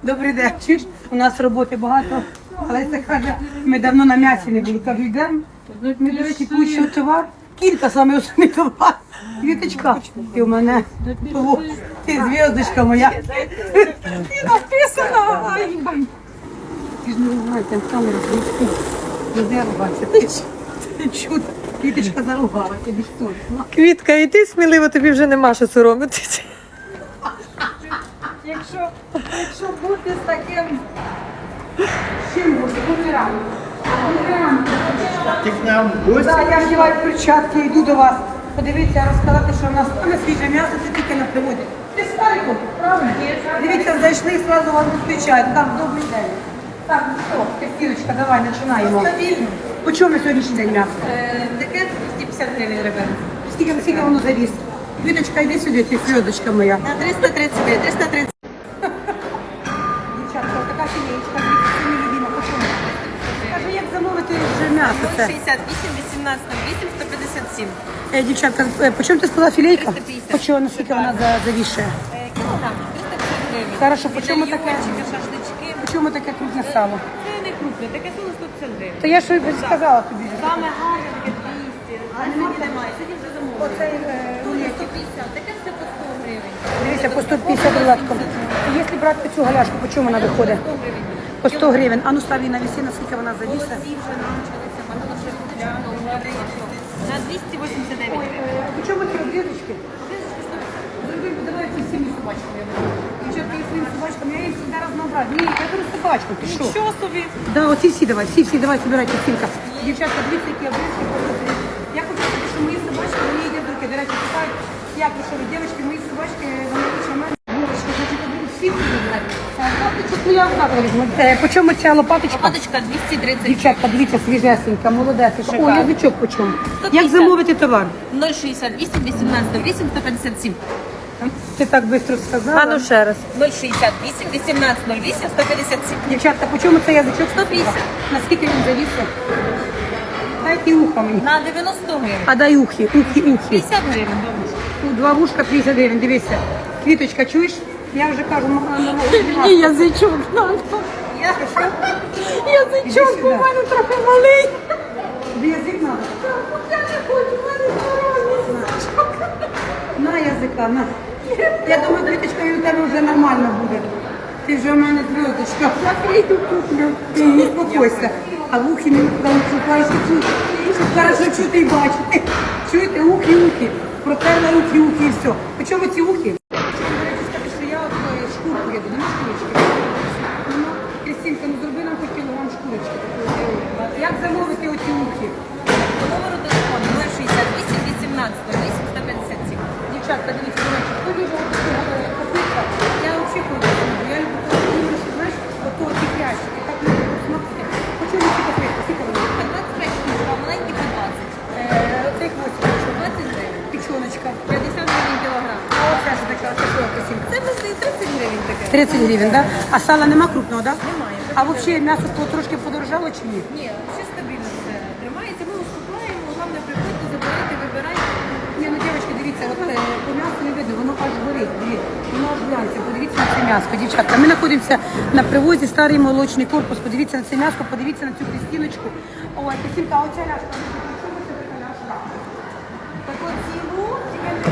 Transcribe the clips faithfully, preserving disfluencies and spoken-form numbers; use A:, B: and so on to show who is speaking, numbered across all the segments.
A: Добрий день. Чуєш? У нас роботи багато. Леся каже, ми давно на м'ясі не були. Кажу, йдемо. Ми, до речі, кучу товар. Кілька саме основний товар. Квіточка, ти у мене. О, ти зв'язочка моя. Ти написана. Ай, бай. Ти ж не знаєш, там камера звідки. Не дервайся. Ти ж, ти чудо. Квіточка заругала, тобі що?
B: Квітка, і ти сміливо, тобі вже нема що соромитися.
A: Якщо, якщо бути з таким, чим бути, бути рано.
C: Ти к нам в гості?
A: Так, я вдіваю перчатки, йду до вас. Подивіться, розказати, що в нас саме свіже м'ясо, це тільки на приводі. Ти старий хлопець, правильно? Дивіться, зайшли і одразу вас зустрічають. Так, добрий день. Так, ну що, Костіночка, давай, починаємо.
D: Стабільно.
A: По чому на сьогоднішній день м'ясо?
D: Е, Таке двісті п'ятдесят гривень ребята.
A: Скільки, скільки воно завіс? Квіточка, йди сюди, ти зв'язочка моя.
D: На триста тридцять гривень, триста тридцять.
A: Дівчатка, така філеєчка, це мій любима, по чому? Каже, як замовити вже м'ясо це?
D: шістдесят вісім, вісімнадцять, вісім, сто п'ятдесят сім.
A: Е, дівчатка, е, по чому ти сказала філейка?
D: триста п'ятдесят.
A: По чому, наскільки вона за- завішує?
D: Е, Кілограм, триста п'ятдесят гривень.
A: Хорошо, по чому таке?
D: Юрчики, шашлички.
A: По чому таке крупне сало?
D: Це не крупне, таке сало сто п'ятдесят гривень.
A: То я ж і сказала тобі.
D: Саме гарне, таке двісті. А сьогодні немає, сьогодні вже замовлено.
A: Оцей е,
D: Дуже
A: рулетик.
D: сто п'ятдесят, таке все по сто гривень.
A: Дивіться, по сто п'ятдесят рулетком. Якщо брати цю галяшку, по чому вона виходить?
D: сто гривень.
A: По сто гривень. А ну став її на вісі, наскільки вона завісе.
D: Ці вже навчилися, багато ще на двісті вісімдесят дев'ять гривень.
A: По чому ці обрізочки? Давай ці всіми собачками. Дівчатка, я своїм собачкам, я їм завжди разнообразні. Ні, я беру собачку, ти що?
D: Що собі?
A: Да, оці всі давай, всі, всі, давай, собирайте стінка. Дівчатка, дивіться, які обрізки. Я хочу сказати, що мої собачки, вони їдять руки. До речі, питають, як ви що ви, дівчатки, мої собачки, вони лучше мене. Булочки, значить, обрізки, всі всі вибирають. А лопаточку, ну я так візьму. Е, По чому ця лопаточка?
D: Лопаточка двісті тридцять.
A: Дівчатка, дивіться, свіжесенька, молодесенька. О,
D: Шикарно.
A: язичок по чому?
D: сто
A: Як
D: п'ятдесят.
A: замовити товар?
D: ноль шістдесят вісім, вісімнадцять, вісім, сто п'ятдесят сім.
A: Ти так швидко сказала.
B: А ну ще раз.
D: ноль шістдесят вісім, вісімнадцять, нуль вісім, сто п'ятдесят сім.
A: Дівчатка, по чому цей язичок?
D: сто п'ятдесят.
A: Наскільки він завісив? Дайте ухо мені.
D: На дев'яносто гривень.
A: А дай ухи, ухи, ухи.
D: п'ятдесят гривень, бабусь.
A: Ну, два вушка п'ятдесят гривень, дивися. Квіточка, чуєш? Я вже кажу, ну, ну, ну,
B: Ні, язичок надо.
A: я що?
B: Язичок
A: Іди
B: у
A: сюди.
B: мене трохи малий.
A: Тобі язик треба?
B: Я не хочу, в мене здоровий язичок.
A: На язика, на. Я думаю, Квіточка, і у тебе вже нормально буде. Ти вже в мене зв'язочка. Я її куплю. Ти не спокойся. А в ухи не шукаєш чути. Щоб хорошо чути і бачити. Чуєте, ухи, ухи. Протерла ухи, ухи і все. По чому ці ухи? Хочу, до речі, сказати, що я от е, шкурку їду, не шкурочки. Ну, Крістінка, ну зроби нам хоч кілограм шкурочки. такої. Як замовити оці ухи?
D: По номеру телефону ноль шістдесят вісім, вісімнадцять, нуль вісім, сто п'ятдесят сім.
A: Дівчатка, дивіться, до речі, хто любить таку копитка? Я взагалі хочу. Я люблю таку, що, знаєш, ото ті крящики, так не люблю смакити. Хочу ці копитки, скільки вони?
D: По двадцять п'ять штук, а маленькі по двадцять.
A: Е, Оцей хвостик,
D: двадцять гривень.
A: печоночка.
D: п'ятдесят гривень кілограм.
A: А оця ж така, оця що красивка?
D: Це ми тридцять гривень таке.
A: тридцять гривень, так? Да? А сала нема крупного, так? Да?
D: Немає.
A: А взагалі м'ясо то трошки подорожало чи ні?
D: Ні, все стабільно все тримається. Ми уступаємо, головне приходьте, забирайте, вибирайте.
A: Ні, ну дівчатки, дивіться, от е, по м'ясу не видно, воно аж горить, дивіться, воно аж глянця, подивіться на це м'ясо, дівчатка. Ми знаходимося на привозі, старий молочний корпус, подивіться на це м'ясо, подивіться на цю Крістіночку. Ой, Крістінка, а оця ляшка, ну, чому це така ляшка?
D: Так от ціну, я не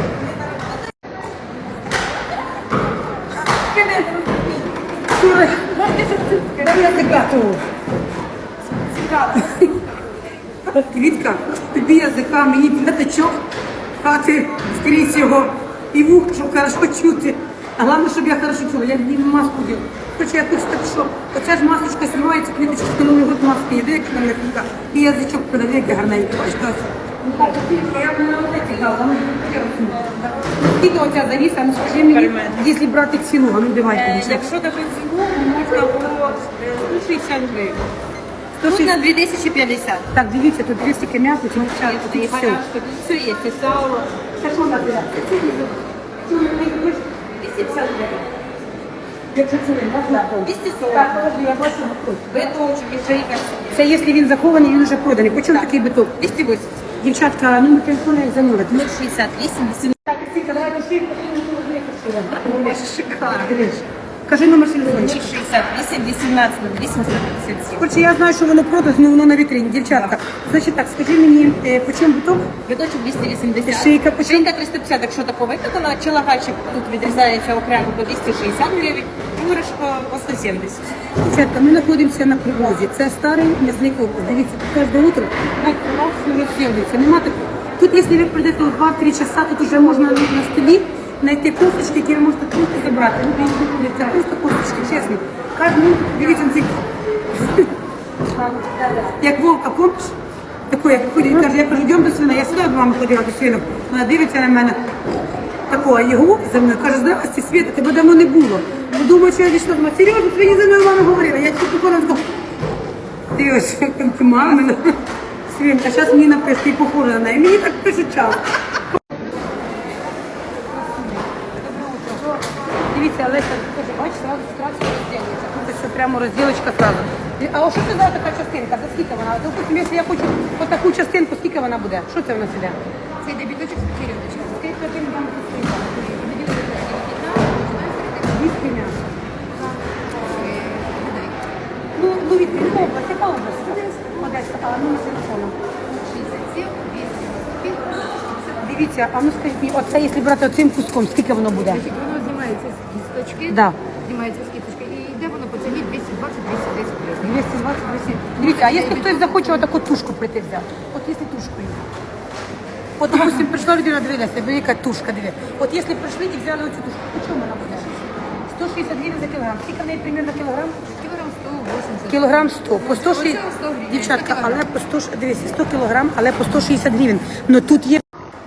A: Ой, да я така тут. Квітка, тобі язика, мені п'ятачок, а ти скрізь його і вух, щоб хорошо чути. А головне, щоб я хорошо чула, я не маску діла. Хоча я хочу так, що оця ж масочка знімається, квіточка, коли ми от маски їде, як там легенька, і язичок подавляє гарненько. Бачиш, так? Ну так, Квітка, я б на оці дала, ну, я розумію. Скільки оця завіса, ну скажи мені, якщо брати ціну, а ну давайте.
D: Е,
A: дівчата.
D: Якщо таку ціну, можна по е, сто шістдесят гривень.
A: сто
D: Тут на
A: шістдесят.
D: дві тисячі п'ятдесят.
A: Так, дивіться, тут дві стільки м'яса, ці дівчата,
D: І
A: тут все.
D: гарячка, тут все є, і сало.
A: Це що надо?
D: двісті п'ятдесят гривень.
A: Якщо це він, так?
D: двісті сорок.
A: Так, подожди, я бачу готовий.
D: Биточок, і шийка.
A: Це якщо він захований, він вже проданий. По чому такий биток?
D: двісті вісімдесят.
A: Дівчатка, номер телефону як замовити.
D: нуль шістдесят вісім, вісімнадцять.
A: Так, Стійка, давайте шийку. Ой, шикарно. Кажи номер телефону.
D: шестьдесят восемь, восемнадцать, двести пятьдесят семь.
A: Короче, я знаю, що воно продаж, але воно на вітрині. Дівчатка, значить так, скажи мені, е, по чому буток?
D: Біточок двісті вісімдесят.
A: Шийка по чому?
D: Шийка триста п'ятдесят, якщо тако викатана. Чолагачик тут відрізається окремо по двісті шістдесят гривень. Іграшка по сто сімдесят.
A: Дівчатка, ми знаходимося на привозі. Це старий м'ясний корпус. Дивіться, кожне утро так, раз, не розсілується. Нема такого. Тут, якщо ви прийдете у два-три часа, тут вже можна на столі знайти кофточки, які ви можете просто забрати. Ну, це просто кофточки, чесно. Кожен утро, дивіться на ці. Як Вовка, помниш? Такий, як ходить, каже, я кажу, йдемо до свина. Я сюди до мами ходила до свинок. Вона дивиться на мене. Такого, його за мною, каже, здравствуйте, Света, тебе давно не було. Ну, думаю, що я дійшла, думаю, серйозно, свині за мною мама говорила. Я тільки покорно сказала, дивись, ти мама, Свинка, зараз мені напишуть, ти похожа на неї. Мені так пишуть час. Дивіться, Олеся, каже, бачиш, сразу сразу розділиться. Тут все прямо розділочка сразу. А о, що це за така частинка? За скільки вона? Допустим, якщо я хочу отаку частинку, скільки вона буде? Що це в нас іде?
D: Це йде біточок з печерівничком.
A: Скільки один вам тут Звідки м'ясо? Ну, ну відкрий, яка область, яка область? Одеська, а ну на телефону. Дивіться, а ну скажіть мені, оце, якщо брати оцим куском, скільки воно буде?
C: Воно знімається з кісточки,
A: Да.
C: знімається з кісточки і йде воно по ціні двісті двадцять - двісті десять гривень.
A: двісті двадцять двісті. Дивіться, а якщо хтось захоче отаку тушку прийти взяти? От якщо тушку є. От, допустим, прийшла людина, дивилася, диви, яка тушка, диви. От якщо прийшли і взяли оцю тушку, по чому вона буде? сто шістдесят гривень за кілограм. Скільки в неї примерно кілограм?
C: Кілограм сто вісімдесят.
A: Кілограм сто. По сто шістдесят.
C: Оце сто гривень.
A: Дівчатка,
C: сто
A: але
C: кілограм.
A: по сто, ш- дивіться, сто кілограм, але по сто шістдесят гривень. Но тут є...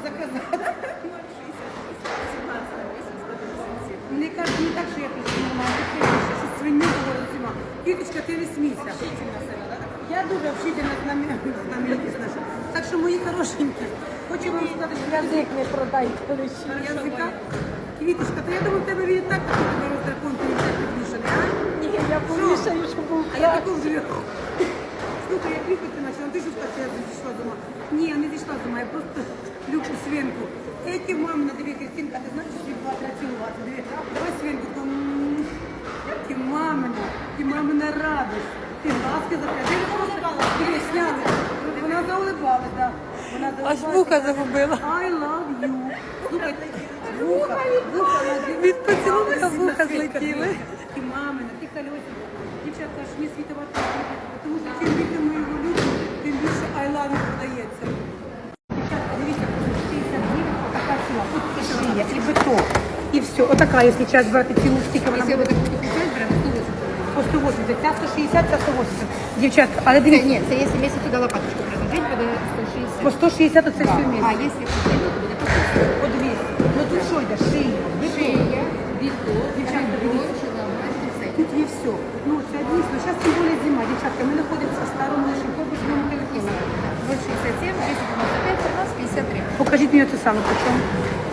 A: Мені кажуть, не так, що я прийшла нормально, що я що свині говорить зима. Квіточка, ти не смійся. Я дуже общительна з нами, з нами наша. Так що, мої хорошенькі, хочу вам сказати, що язик не продай. Язика? Квіточка, то я думаю, в тебе він і так такий тебе роздракон, ти не так підвішений, а? Ні, я повішаю, що був. А я таку вже... Слухай, я кліпати почала, ти ж сказала, що я зійшла з ума. Ні, я не зійшла з ума, я просто люблю свинку. Эти мамина, диви, Кристинка, ти знаєш, що була треба цілувати? Диви, давай свинку, там, м, ти мамина, ти мамина радость. Ти ласки запрятала. Диви, сняли. Вона заулибалась, так. Вона
B: Аж
A: заулибалась.
B: вуха загубила.
A: I love you. Слухай, вуха, вуха, вуха.
B: Від поцілунка вуха злетіли.
A: Ти мамина, ти колесик. Дівчатка, аж не світувати. Тому що чим більше ми його любимо, тим більше I love you продається. Дівчатка, дивіться, шістдесят гривень, отака ціла. Тут і шия, і биток, і все. Отака, якщо час брати цілу стільки, вона
C: Якщо ви
A: буде
C: так купуєте, беремо сто вісімдесят.
A: по сто вісімдесят, ця сто шістдесят, ця сто вісімдесят. Дівчатка, але
C: Це,
A: дивіться,
C: ні, це якщо місяць туди лопаточку приложити, буде сто шістдесят.
A: по сто шістдесят оце все
C: А
A: вместе.
C: якщо купити, то буде по триста.
A: По двісті. Ну тут що йде? Шия, биток.
C: Шия, біток,
A: Дівчатка,
C: ребро,
A: дивіться.
C: шеломач, все.
A: Тут є все. Ну, це дійсно. Зараз тим більше зима, дівчатка. Ми знаходимося в старому нашому корпусному телефоні.
C: ноль шістдесят сім, двісті дев'яносто п'ять, тринадцять п'ятдесят три.
A: Покажіть мені це саме, по чому?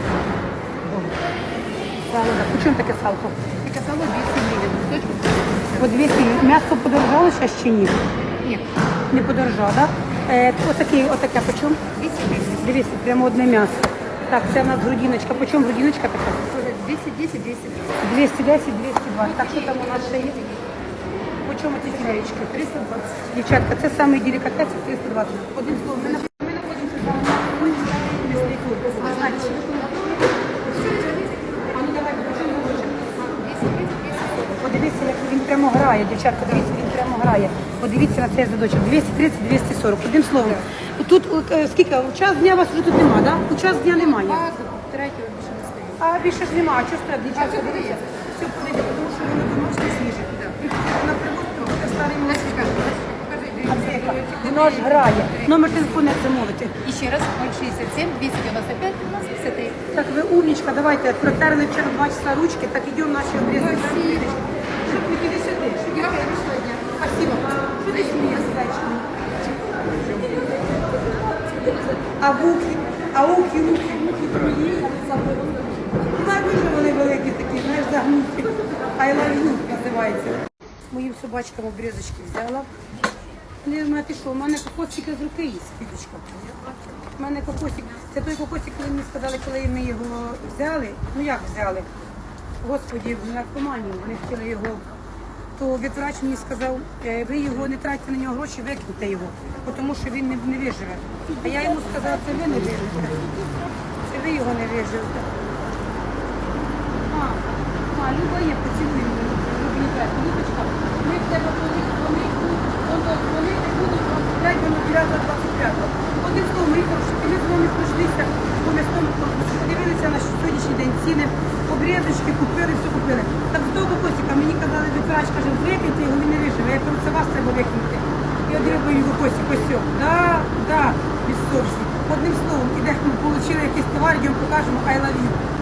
A: Сало, да. По чому таке салко?
C: Таке сало двісті гривень, кусочку
A: По двісті. М'ясо подорожало зараз чи ні?
C: ні,
A: Не подорожало, так? Да? Е, отаке, отаке, по чому?
C: двісті гривень.
A: Дивіться, прямо одне м'ясо. Так, це в нас грудиночка. По чому грудиночка така?
C: двісті десять, двісті двадцять.
A: двісті десять, двісті двадцять. Так, що там у нас ще є? По чому ці філеєчки? триста двадцять. Дівчатка, це саме делікатес, триста двадцять. Одним словом, ми на- ми знаходимося в самому м'ясний корпус. Ви знаєте, що таке? А ну давай, по чому говоримо?
C: двісті тридцять, двісті сорок.
A: Подивіться, як він прямо грає, дівчатка, дивіться, він прямо грає. Подивіться на цей задочок. двісті тридцять, двісті сорок. Одним словом. Тут е, скільки? У час дня вас вже тут нема, так? Да? У час дня немає.
C: А, третього більше не стає.
A: А більше ж нема, а що страт, дівчатка?
C: А, все
A: Дивіться.
C: подається.
A: Все подивіться, тому що воно домашнє свіже. Приходите на привоз, приходите старий молодий.
C: Лесечка, Лесечка, покажи,
A: А це яка? Воно ж грає. Номер телефону як замовити.
C: І ще раз, ноль шістдесят сім, двісті дев'яносто п'ять, тринадцять п'ятдесят три.
A: Так, ви умничка, давайте, протерли вчора два часа ручки, так йдемо наші обрізки. Що ти іди сюди? Що ти робиш сьогодні? Спасибо. Що ти смієшся, зайчик? А вухи, а ухи, ухи, ухи твої, а не забули. Знаєш, дуже вони великі такі, знаєш, загнуті. I love you називається. Моїм собачкам обрізочки взяла. Не знаю, ти що, у мене кокосик з руки є, Фідочка. У мене кокосик. Це той кокосик, коли мені сказали, коли ми його взяли. Ну як взяли? Господі, в наркоманію, вони хотіли його. То ветврач мені сказав, «Е, ви його не тратьте на нього гроші, викиньте його, тому що він не, не виживе. А я йому сказала, це ви не виживете. Це ви його не виживете. А, а Люба є, поцілуй мене, Любінка. Любочка, ми в тебе коли вони будуть, вони не будуть розробляти до дев'ятого двадцять п'ятого. Одним словом, ми кажуть, ми з вами пройшлися, бо ми з тому подивилися на сьогоднішній день ціни, обрізочки купили, все купили. Так з того косика мені казали, ветврач каже, викиньте його, він не виживе. Я кажу, це вас треба викинути. І одриваю його косик, ось все. Да, да, без совісті. Одним словом, ідемо, отримали якийсь товар, йдемо покажемо, I love you.